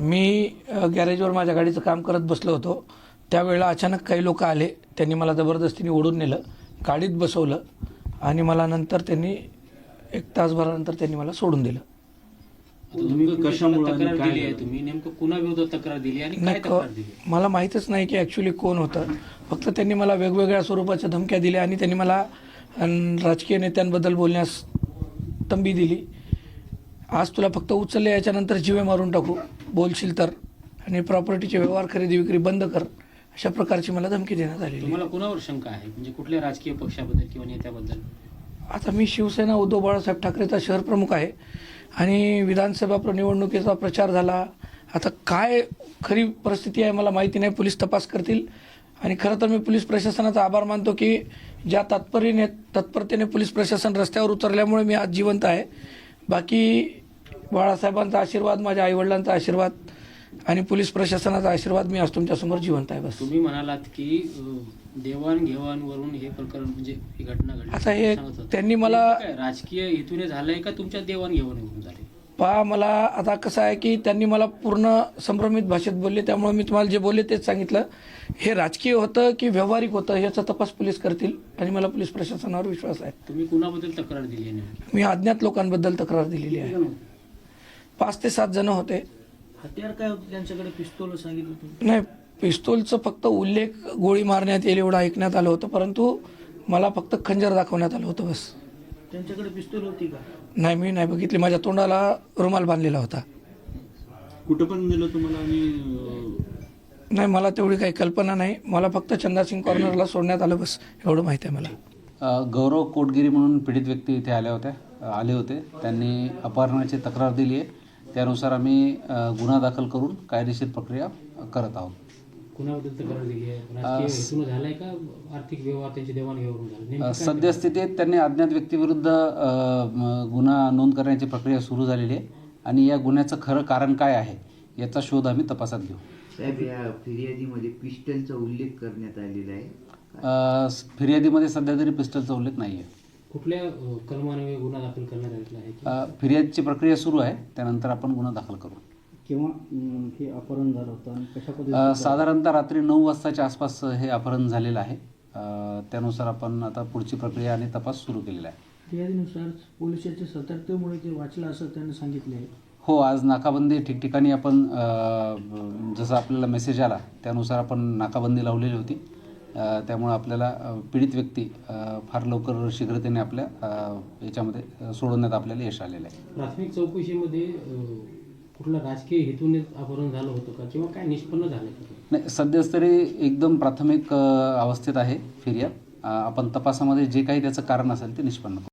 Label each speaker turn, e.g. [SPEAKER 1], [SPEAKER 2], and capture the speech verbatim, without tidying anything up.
[SPEAKER 1] मी अ, गॅरेजवर माझ्या गाडीचं काम करत बसलो होतो. त्यावेळेला अचानक काही लोक आले. त्यांनी मला जबरदस्तीने ओढून नेलं, गाडीत बसवलं आणि मला नंतर त्यांनी एक तासभरानंतर त्यांनी मला सोडून दिलं.
[SPEAKER 2] तुम्ही कशामुळे
[SPEAKER 3] तक्रार
[SPEAKER 2] काय
[SPEAKER 3] दिली आहे?
[SPEAKER 2] झालं?
[SPEAKER 3] तुम्ही नेमकं कुणाविरोधात तक्रार दिली आणि काय
[SPEAKER 1] नाही,
[SPEAKER 3] तक्रार दिली?
[SPEAKER 1] क- मला माहीतच नाही की ॲक्च्युली कोण होतं. फक्त त्यांनी मला वेगवेगळ्या स्वरूपाच्या धमक्या दिल्या आणि त्यांनी मला अन, राजकीय नेत्यांबद्दल बोलण्यास तंबी दिली. आज तुला फक्त उचलले, याच्यानंतर जीवे मारून टाकू बोलशील तर, आणि प्रॉपर्टीचे व्यवहार खरेदी विक्री बंद कर, अशा प्रकारची मला धमकी देण्यात आलेली.
[SPEAKER 3] तुम्हाला कुणावर शंका आहे, म्हणजे कुठल्या राजकीय पक्षाबद्दल किंवा नेत्याबद्दल?
[SPEAKER 1] आता मी शिवसेना उद्धव बाळासाहेब ठाकरेचा शहर प्रमुख आहे आणि विधानसभा प्र- निवडणुकीचा प्रचार झाला. आता काय खरी परिस्थिती आहे मला माहिती नाही, पोलीस तपास करतील. आणि खरं तर मी पोलीस प्रशासनाचा आभार मानतो की ज्या तत्परीने तत्परतेने पोलीस प्रशासन रस्त्यावर उतरल्यामुळे मी आज जिवंत आहे. बाकी बाळासाहेबांचा आशीर्वाद, माझ्या आईवडिलांचा आशीर्वाद आणि पोलीस प्रशासनाचा आशीर्वाद, मी आज तुमच्यासमोर जिवंत आहे. बस.
[SPEAKER 3] तुम्ही म्हणालात की अं, देवाणघेवाणवरून हे प्रकरण, म्हणजे ही घटना घडली
[SPEAKER 1] आता हे
[SPEAKER 3] सांगत होता.
[SPEAKER 1] त्यांनी मला
[SPEAKER 3] नेमकं काय राजकीय हेतूने झालंय का तुमच्या देवाणघेवाणीवरून झाले?
[SPEAKER 1] पहा, मला आता कसं आहे की त्यांनी मला पूर्ण संभ्रमित भाषेत बोलले, त्यामुळे मी तुम्हाला जे बोलले तेच सांगितलं. हे राजकीय होतं की व्यावहारिक होतं याचा तपास पोलीस करतील आणि मला पोलीस प्रशासनावर विश्वास आहे.
[SPEAKER 3] तुम्ही कुणाबद्दल तक्रार दिली आहे नेमकी?
[SPEAKER 1] मी अज्ञात लोकांबद्दल तक्रार दिलेली आहे. पाच ते सात जण होते.
[SPEAKER 2] हत्यार काय होतं त्यांच्याकडे? पिस्तूल सांगितलं तुम्ही?
[SPEAKER 1] नाही, पिस्तूलचं फक्त उल्लेख गोळी मारण्यात येईल एवढं ऐकण्यात आलं होतं, परंतु मला फक्त खंजर दाखवण्यात आलं होतं. बस.
[SPEAKER 2] त्यांच्याकडे पिस्तूल होती का?
[SPEAKER 1] नाही, मी नाही बघितली. माझ्या तोंडाला रुमाल बांधलेला होता.
[SPEAKER 2] कुठं पण नेलं तुम्हाला? आणि
[SPEAKER 1] नाही, मला तेवढी काही कल्पना नाही. मला फक्त चंदासिंग कॉर्नरला सोडण्यात आलं, बस एवढं माहिती आहे मला.
[SPEAKER 4] अ, गौरव कोटगिरी म्हणून पीडित व्यक्ती इथे आल्या होत्या अ, आले होते. त्यांनी अपहरणाची तक्रार दिली आहे. त्यानुसार आम्ही अ, गुन्हा दाखल करून कायदेशीर प्रक्रिया करत आहोत.
[SPEAKER 3] कुणाबद्दल तक्रार दिली आहे? राजकीय हेतून झालाय का आर्थिक व्यवहार त्यांची देवाणघेवाण झाली? नेमकं
[SPEAKER 4] अ,
[SPEAKER 3] काय
[SPEAKER 4] सद्यस्थितीत त्यांनी अज्ञात व्यक्तीविरुद्ध अ, म, गुन्हा नोंद करण्याची प्रक्रिया सुरू झालेली आहे आणि या गुन्ह्याचं खरं कारण काय आहे याचा शोध आम्ही तपासात घेऊ.
[SPEAKER 5] साहेब, या फिर्यादीमध्ये पिस्टलचा उल्लेख करण्यात आलेला आहे.
[SPEAKER 4] अ, फिर्यादीमध्ये सध्या तरी पिस्टलचा उल्लेख नाही आहे.
[SPEAKER 3] कुठल्या अं, कलमाने गुन्हा दाखल करण्यात आलेला आहे की?
[SPEAKER 4] अ, फिर्यादीची प्रक्रिया सुरू आहे, त्यानंतर आपण गुन्हा दाखल करू.
[SPEAKER 6] किंवा अं, हे अपहरण झालं होतं आणि कशा
[SPEAKER 4] अ,
[SPEAKER 6] पद्धतीने
[SPEAKER 4] साधारणतः रात्री नऊ वाजताच्या आसपास हे अपहरण झालेलं आहे. अ, त्यानुसार आपण आता पुढची प्रक्रिया आणि तपास सुरू केलेला आहे.
[SPEAKER 6] फिर्यादीनुसार पोलिसांच्या सतर्कतेमुळे ते वाचलं असं त्यांनी सांगितले आहे.
[SPEAKER 4] हो, आज नाकाबंदी ठिकठिकाणी आपण अ, जसं आपल्याला मेसेज आला त्यानुसार आपण नाकाबंदी लावलेली होती. अ, त्यामुळे आपल्याला अ, पीडित व्यक्ती अ, फार लवकर शीघ्रतेने आपल्या अ, याच्यामध्ये सोडवण्यात आपल्याला यश आलेलं आहे.
[SPEAKER 3] प्राथमिक चौकशीमध्ये अं, कुठला राजकीय हेतूने अपहरण झालं होतं का किंवा काय निष्पन्न झालं का?
[SPEAKER 4] नाही, सध्याच तरी एकदम प्राथमिक अ, अवस्थेत आहे फिर्याद. अ, आपण तपासामध्ये जे काही त्याचं कारण असेल ते निष्पन्न करू.